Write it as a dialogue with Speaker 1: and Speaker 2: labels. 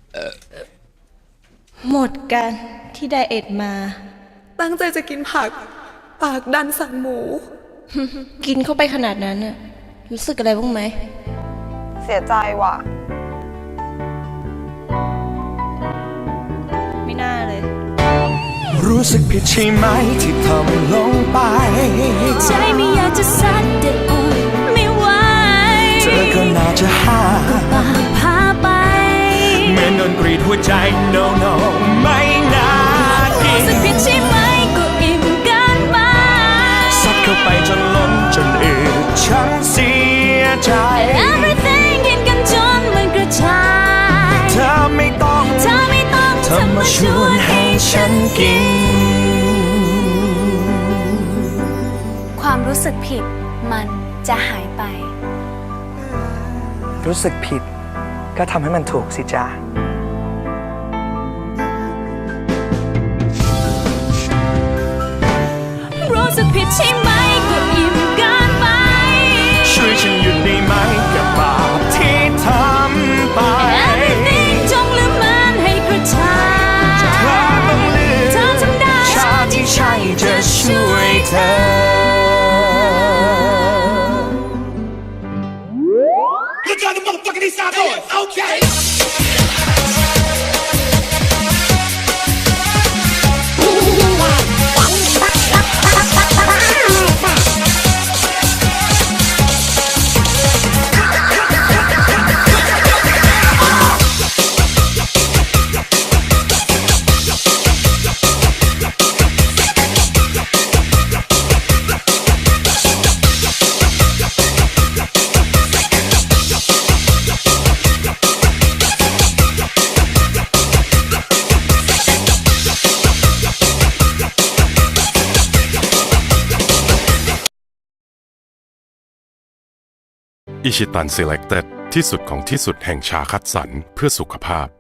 Speaker 1: หมดกันที่ไดเอทมา
Speaker 2: ตั้งใจจะกินผัก ปากดันสั่งหมู
Speaker 1: กินเข้าไปขนาดนั้นน่ะรู้สึกอะไรบ้างไหม
Speaker 2: เสียใจว่ะ
Speaker 1: ไม่น่าเลย
Speaker 3: รู้สึกผิดใช่ไหมที่ทำลงไป
Speaker 4: ใจไม่อยากจะซัดแต่อดไม่ไหว
Speaker 3: เธอก็น่าจะหา
Speaker 4: ปากพาไป
Speaker 3: เหมือนโดนกรีดหัวใจ no no ไม่น่ากิน
Speaker 4: รู้สึกผิดใช่ไหมก็อิ่มเกินไป
Speaker 3: ซัดเข้าไปจนล้นจนอืดฉันเสียใจ
Speaker 4: Everything กินกันจนมันกระจาย
Speaker 3: เธอไม่ต้องเธอมาชวนให้ฉันกิน
Speaker 4: ความรู้สึกผิดมันจะหายไป
Speaker 3: รู้สึกผิดก็ทำให้มันถูกสิจ๊ะ
Speaker 4: รู้สึกผิดใช่ไหมก็อิ่มเกินไป
Speaker 3: ช่วยฉันหยุดได้ไหมกับบาปที่ทำไป
Speaker 4: Everything จงลืมมันให้กระจาย
Speaker 3: เธอต้องเลือก
Speaker 4: เธอทำได้
Speaker 3: ชาที่ใช่จะช่วยเธอ
Speaker 5: Get down the motherfucking east side boys, okay?
Speaker 6: อิชิตัน Selected ที่สุดของที่สุดแห่งชาคัดสรรเพื่อสุขภาพ